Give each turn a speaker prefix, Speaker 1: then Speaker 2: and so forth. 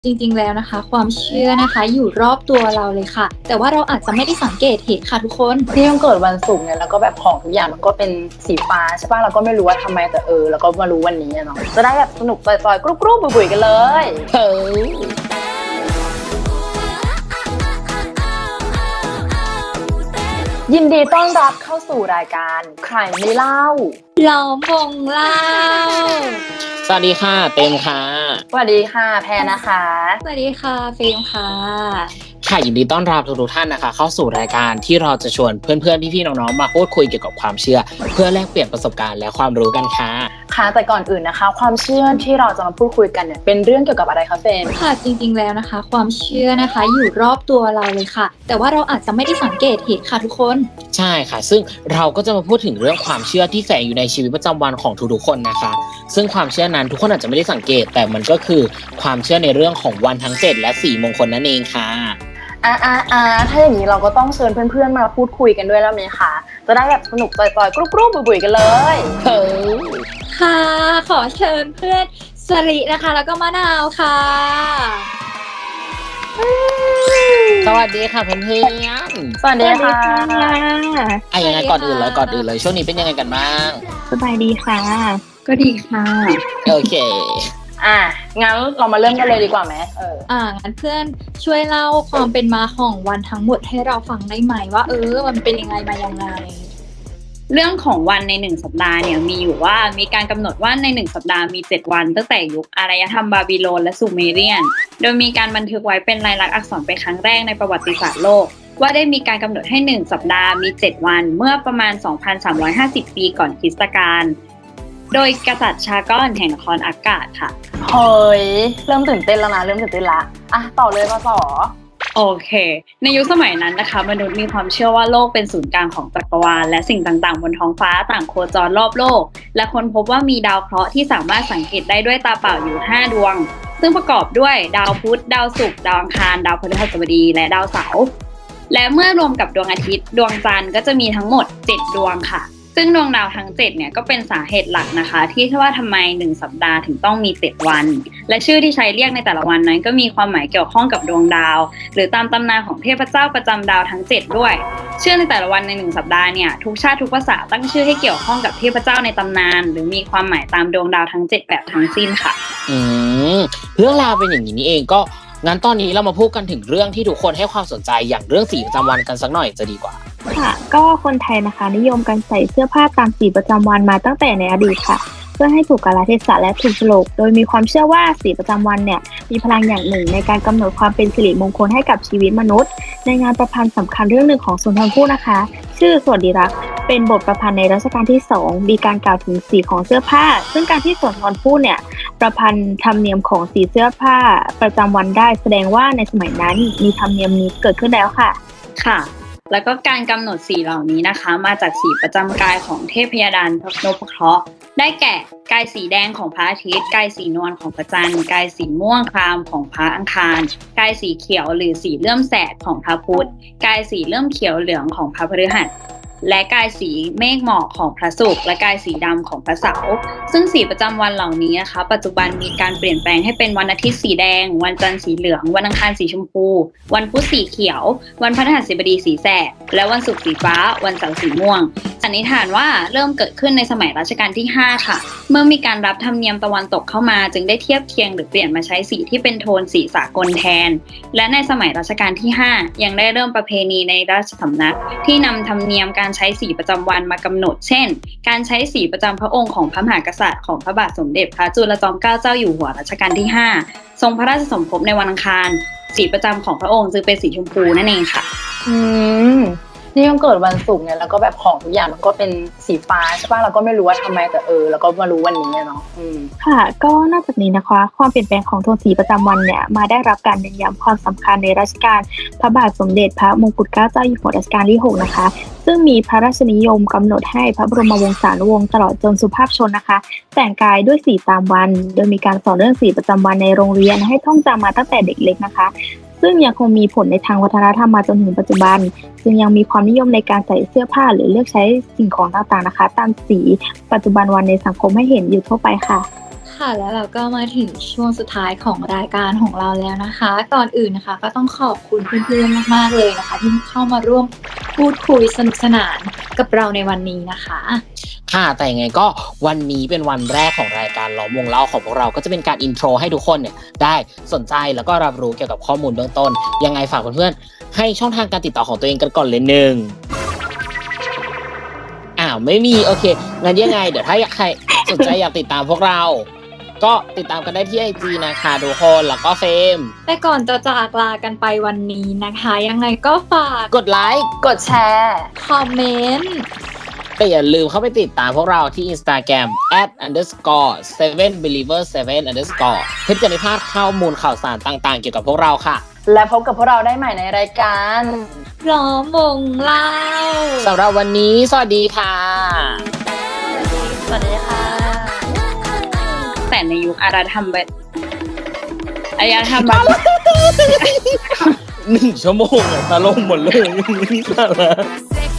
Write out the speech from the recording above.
Speaker 1: จริงๆแล้วนะคะความเชื่อนะคะอยู่รอบตัวเราเลยค่ะแต่ว่าเราอาจจะไม่ได้สังเกตเห็นค่ะทุกคน
Speaker 2: ที่ต้องเกิดวันศุกร์เนี่ยแล้วก็แบบของทุกอย่างมันก็เป็นสีฟ้าใช่ป่ะเราก็ไม่รู้ว่าทำไมแต่แล้วก็มารู้วันนี้อะเนาะจะได้แบบสนุกปล่อยๆกรุ๊ปๆบุ๋ยๆกันเลยเฮ้ยยินดีต้อนรับเข้าสู่รายการใครไม่เล่า
Speaker 1: ล้อมวงเล่า
Speaker 3: สวัสดีค่ะเต็มค่ะ
Speaker 2: สวัสดีค่ะแพรนะคะ
Speaker 1: สวัสดีค่ะฟิล์มค่ะ
Speaker 3: ค่ะยินดีต้อนรับทุกท่านนะคะเข้าสู่รายการที่เราจะชวนเพื่อนๆพี่ๆน้องๆมาพูดคุยเกี่ยวกับความเชื่อเพื่อแลกเปลี่ยนประสบการณ์และความรู้กันค่ะ
Speaker 2: ค่ะแต่ก่อนอื่นนะคะความเชื่อที่เราจะมาพูดคุยกันเนี่ยเป็นเรื่องเกี่ยวกับอะไรคะเฟน
Speaker 1: ค่ะจริงๆแล้วนะคะความเชื่อนะคะอยู่รอบตัวเราเลยค่ะแต่ว่าเราอาจจะไม่ได้สังเกตเห็นค่ะทุกคน
Speaker 3: ใช่ค่ะซึ่งเราก็จะมาพูดถึงเรื่องความเชื่อที่แฝงอยู่ในชีวิตประจำวันของทุกๆคนนะคะซึ่งความเชื่อนั้นทุกคนอาจจะไม่ได้สังเกตแต่มันก็คือความเชื่อในเรื่องของวันทั้ง7และ4มงคลนั่นเองค่ะ
Speaker 2: ถ้าอย่างนี้เราก็ต้องเชิญเพื่อนๆมาพูดคุยกันด้วยแล้วไหมคะจะได้แบบสนุกปล่อยๆกรุ๊ปๆบุ๋ยๆกันเลย
Speaker 3: เฮ้ย
Speaker 1: ค่ะขอเชิญเพื่อนสรินะคะแล้วก็มะนาวค่ะ
Speaker 3: สวัสดีค่ะเพื่อน
Speaker 2: สวัสดีค่ะ
Speaker 3: ๆยังไงก่อนอื่นเลยช่วงนี้เป็นยังไงกันบ้าง
Speaker 1: สบายดีค่ะก็ดีค่ะ
Speaker 3: โอเค
Speaker 2: งั้นเรามาเริ่มกันเลยดีกว่าไหม
Speaker 1: งั้นเพื่อนช่วยเล่าความเป็นมาของวันทั้งหมดให้เราฟังได้ไหมว่ามันเป็นยังไงมายังไง
Speaker 4: เรื่องของวันใน1สัปดาห์เนี่ยมีอยู่ว่ามีการกำหนดว่าใน1สัปดาห์มี7วันตั้งแต่ยุคอารยธรรมบาบิโลนและซูเมเรียนโดยมีการบันทึกไว้เป็นลายลักษณ์อักษรเป็นครั้งแรกในประวัติศาสตร์โลกว่าได้มีการกำหนดให้1สัปดาห์มี7วันเมื่อประมาณ 2,350 ปีก่อนคริสตกาลโดยกษัตริย์ชากอนแห่งนครอากาศค่ะ
Speaker 2: เฮ้ยเริ่มตื่นเต้นแล้วนะต่อเลยมาต่อ
Speaker 4: โอเคในยุคสมัยนั้นนะคะมนุษย์มีความเชื่อว่าโลกเป็นศูนย์กลางของจักรวาลและสิ่งต่างๆบนท้องฟ้าต่างโคจรรอบโลกและค้นพบว่ามีดาวเคราะห์ที่สามารถสังเกตได้ด้วยตาเปล่าอยู่5ดวงซึ่งประกอบด้วยดาวพุธดาวศุกร์ดาวอังคารดาวพฤหัสบดีและดาวเสาร์และเมื่อรวมกับดวงอาทิตย์ดวงจันทร์ก็จะมีทั้งหมด7ดวงค่ะซึ่งดวงดาวทั้ง7เนี่ยก็เป็นสาเหตุหลักนะคะที่ว่าทำไม1สัปดาห์ถึงต้องมี7วันและชื่อที่ใช้เรียกในแต่ละวันนั้นก็มีความหมายเกี่ยวข้องกับดวงดาวหรือตามตำนานของเทพเจ้าประจำดาวทั้ง7ด้วยชื่อในแต่ละวันใน1สัปดาห์เนี่ยทุกชาติทุกภาษาตั้งชื่อให้เกี่ยวข้องกับเทพเจ้าในตำนานหรือมีความหมายตามดวงดาวทั้ง7แบบทั้งสิ้นค่ะ
Speaker 3: เรื่องราวเป็นอย่างนี้นี่เองก็งั้นตอนนี้เรามาพูดกันถึงเรื่องที่ทุกคนให้ความสนใจอย่างเรื่องสีประจำวันกันสักหน่อยจะดีกว่า
Speaker 5: ค่ะก็คนไทยนะคะนิยมการใส่เสื้อผ้าตามสีประจำวันมาตั้งแต่ในอดีตค่ะเพื่อให้ถูกกาลเทศะและถูกโฉลกโดยมีความเชื่อว่าสีประจำวันเนี่ยมีพลังอย่างหนึ่งในการกำหนดความเป็นสิริมงคลให้กับชีวิตมนุษย์ในงานประพันธ์สำคัญเรื่องหนึ่งของสุนทรภู่นะคะชื่อสวัสดิรักษ์เป็นบทประพันธ์ในรัชกาลที่2มีการกล่าวถึงสีของเสื้อผ้าซึ่งการที่สุนทรภู่เนี่ยประพันธ์ธรรมเนียมของสีเสื้อผ้าประจำวันได้แสดงว่าในสมัยนั้นมีธรรมเนียมนี้เกิดขึ้นแล้วค่ะ
Speaker 4: ค่ะแล้วก็การกำหนดสีเหล่านี้นะคะมาจากสีประจำกายของเทพยดาลนพเคราะห์ได้แก่กายสีแดงของพระอาทิตย์กายสีนวลของพระจันทร์กายสีม่วงครามของพระอังคารกายสีเขียวหรือสีเลื่อมแสดของพระพุธกายสีเลื่อมเขียวเหลืองของพระพฤหัสและกายสีเมฆหมอกของพระศุกร์และกายสีดำของพระเสาร์ซึ่งสีประจำวันเหล่านี้นะคะปัจจุบันมีการเปลี่ยนแปลงให้เป็นวันอาทิตย์สีแดงวันจันทร์สีเหลืองวันอังคารสีชมพูวันพุธสีเขียววันพฤหัสบดีสีแสดและวันศุกร์สีฟ้าวันเสาร์สีม่วงสันนิษฐานว่าเริ่มเกิดขึ้นในสมัยรัชกาลที่5ค่ะเมื่อมีการรับธรรมเนียมตะวันตกเข้ามาจึงได้เทียบเคียงหรือเปลี่ยนมาใช้สีที่เป็นโทนสีสากลแทนและในสมัยรัชกาลที่5ยังได้เริ่มประเพณีในราชสำนักที่นำธรรมเนียมการใช้สีประจำวันมากำหนดเช่นการใช้สีประจำพระองค์ของพระมหากษัตริย์ของพระบาทสมเด็จพระจุลจอมเกล้าเจ้าอยู่หัวรัชกาลที่5ทรงพระราชสมภพในวันอังคารสีประจำของพระองค์จึงเป็นสีชมพูนั่นเองค่ะ
Speaker 2: นี่ต้องเกิดวันศุกร์เนี่ยแล้วก็แบบของทุกอย่างมันก็เป็นสีฟ้าใช่ป่ะเราก็ไม่รู้ว่าทำไมแต่แล้วก็มารู้วันนี้เนาะ
Speaker 5: ค่ะก็นอกจากนี้นะคะความเปลี่ยนแปลงของโทนสีประจำวันเนี่ยมาได้รับการเน้นย้ำความสำคัญในรัชกาลพระบาทสมเด็จพระมงกุฎเกล้าเจ้าอยู่หัวรัชกาลที่6นะคะซึ่งมีพระราชนิยมกำหนดให้พระบรมวงศานุวงศ์ตลอดจนสุภาพชนนะคะแต่งกายด้วยสีตามวันโดยมีการสอนเรื่องสีประจำวันในโรงเรียนให้ท่องจำมาตั้งแต่เด็กเล็กนะคะซึ่งยังคงมีผลในทางวัฒนธรรมมาจนถึงปัจจุบันจึงยังมีความนิยมในการใส่เสื้อผ้าหรือเลือกใช้สิ่งของต่างๆนะคะตามสีปัจจุบันวันในสังคมให้เห็นอยู่ทั่วไปค่ะ
Speaker 1: คค่ะแล้วเราก็มาถึงช่วงสุดท้ายของรายการของเราแล้วนะคะ ก่อนอื่นนะคะก็ต้องขอบคุณเพื่อนๆมากๆเลยนะคะ ที่เข้ามาร่วมพูดคุยสนุกสนานกับเราในวันนี้นะคะ
Speaker 3: ค่ะแต่ยังไงก็วันนี้เป็นวันแรกของรายการล้อมวงเล่าของพวกเราก็จะเป็นการอินโทรให้ทุกคนเนี่ยได้สนใจแล้วก็รับรู้เกี่ยวกับข้อมูลเบื้องต้นยังไงฝากเพื่อนๆให้ช่องทางการติดต่อของตัวเองกันก่อนเลยหนึ่งไม่มีโอเคงั้นยังไงเดี๋ยวถ้าใครสนใจอยากติดตามพวกเรา ก็ติดตามกันได้ที่ IG นะคะทุกคนแล้วก็เฟรม
Speaker 1: แต่ก่อนจะจากลากันไปวันนี้นะคะ ยังไงก็ฝาก
Speaker 3: กดไลค์
Speaker 2: กดแชร์
Speaker 1: คอมเมนต์
Speaker 3: แต่อย่าลืมเข้าไปติดตามพวกเราที่ Instagram @_7believer7_ เพื่อจะไม่พลาดข้อมูลข่าวสารต่างๆเกี่ยวกับพวกเราค่ะ
Speaker 2: และพบกับพวกเราได้ใหม่ในรายการ
Speaker 1: ล้อมวงเล่า
Speaker 3: สำหรับวันนี้สวัสดีค่ะ
Speaker 2: สวัสดีค่ะ
Speaker 4: แต่ในยุคอารยธรรมแบบ
Speaker 3: 1 ชั่วโมงตะลงหมดเลย